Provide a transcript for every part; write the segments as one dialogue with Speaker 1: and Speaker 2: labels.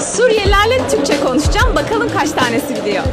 Speaker 1: Suriyelilerle Türkçe konuşacağım. Bakalım kaç tanesi biliyor.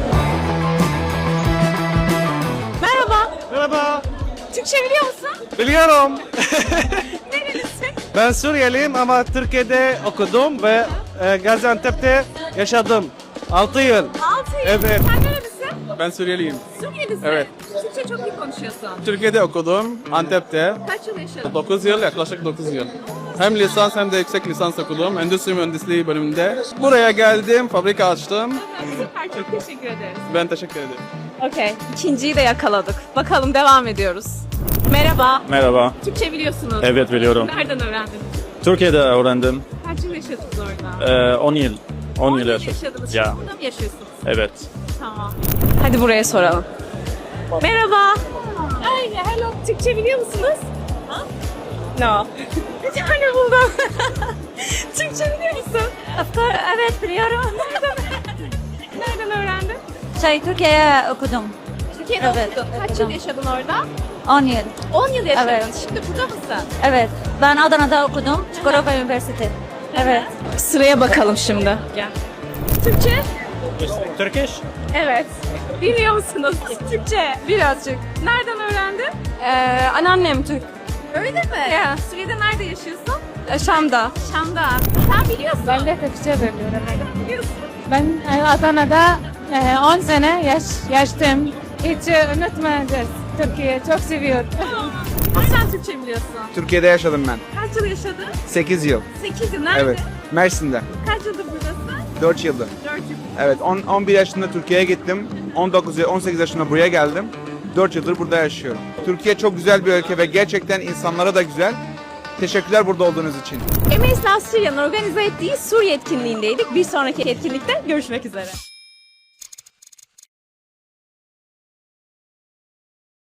Speaker 1: Merhaba.
Speaker 2: Merhaba.
Speaker 1: Türkçe biliyor musun?
Speaker 2: Biliyorum.
Speaker 1: Nerelisin?
Speaker 2: Ben Suriyeliyim ama Türkiye'de okudum ve Gaziantep'te yaşadım. 6 yıl.
Speaker 1: 6 yıl.
Speaker 2: Evet.
Speaker 1: Sen nerelisin?
Speaker 3: Ben Suriyeliyim.
Speaker 1: Suriyelisin.
Speaker 3: Evet.
Speaker 1: Türkçe çok iyi konuşuyorsun.
Speaker 3: Türkiye'de okudum, Antep'te.
Speaker 1: Kaç yıl yaşadın?
Speaker 3: 9 yıl, yaklaşık 9 yıl. Hem lisans hem de yüksek lisans okudum. Endüstri mühendisliği bölümünde. Buraya geldim, fabrika açtım.
Speaker 1: Süper, çok teşekkür ederiz.
Speaker 3: Ben teşekkür ederim.
Speaker 1: Okey. İkinciyi de yakaladık. Bakalım devam ediyoruz. Merhaba.
Speaker 4: Merhaba.
Speaker 1: Türkçe biliyorsunuz.
Speaker 4: Evet biliyorum.
Speaker 1: Nereden öğrendin?
Speaker 4: Türkiye'de öğrendim.
Speaker 1: Kaç yıl yaşadınız orada?
Speaker 4: 10 yıl. 10 yıl yaşadım.
Speaker 1: yaşadınız.
Speaker 4: Ya.
Speaker 1: Şimdi burada mı yaşıyorsunuz?
Speaker 4: Evet.
Speaker 1: Tamam. Hadi buraya soralım. Merhaba. Ay, hello. Türkçe biliyor musunuz? No. Bir tane buldum. Türkçe biliyor musun?
Speaker 5: Evet biliyorum.
Speaker 1: Nereden öğrendin?
Speaker 5: Türkiye'ye okudum.
Speaker 1: Türkiye'de
Speaker 5: Evet,
Speaker 1: okudun. Kaç yıl
Speaker 5: okudum.
Speaker 1: yaşadın orada?
Speaker 5: 10 yıl.
Speaker 1: 10 yıl yaşadın.
Speaker 5: Evet.
Speaker 1: Şimdi burada mısın?
Speaker 5: Evet. Ben Adana'da okudum. Çukurova Üniversitesi. Evet.
Speaker 1: Sıraya bakalım şimdi. Gel. Türkçe?
Speaker 4: Turkish?
Speaker 1: Evet. Biliyor musunuz? Türkçe. Birazcık. Nereden öğrendin?
Speaker 5: Anneannem Türk.
Speaker 1: Öyle mi?
Speaker 5: Ya.
Speaker 1: Suriye'de nerede yaşıyorsun?
Speaker 5: Şam'da.
Speaker 1: Şam'da. Sen biliyorsun.
Speaker 5: Ben de Türkçe biliyorum.
Speaker 1: Biliyorsun.
Speaker 5: Ben Adana'da 10 sene yaşadım. Hiç unutmayacağız. Türkiye çok seviyorum.
Speaker 1: Sen Türkçe biliyorsun.
Speaker 6: Türkiye'de yaşadım ben.
Speaker 1: Kaç yıl yaşadın?
Speaker 6: 8 yıl.
Speaker 1: 8 yıl. Nerede?
Speaker 6: Evet. Mersin'de.
Speaker 1: Kaç yıldır buradasın?
Speaker 6: 4 yıldır.
Speaker 1: 4 yıl.
Speaker 6: Evet. 11 yaşında Türkiye'ye gittim. 18 yaşında buraya geldim. 4 yıldır burada yaşıyorum. Türkiye çok güzel bir ülke ve gerçekten insanlara da güzel. Teşekkürler burada olduğunuz için.
Speaker 1: Emeis Nastria'nın organize ettiği Suriye etkinliğindeydik. Bir sonraki etkinlikte görüşmek üzere.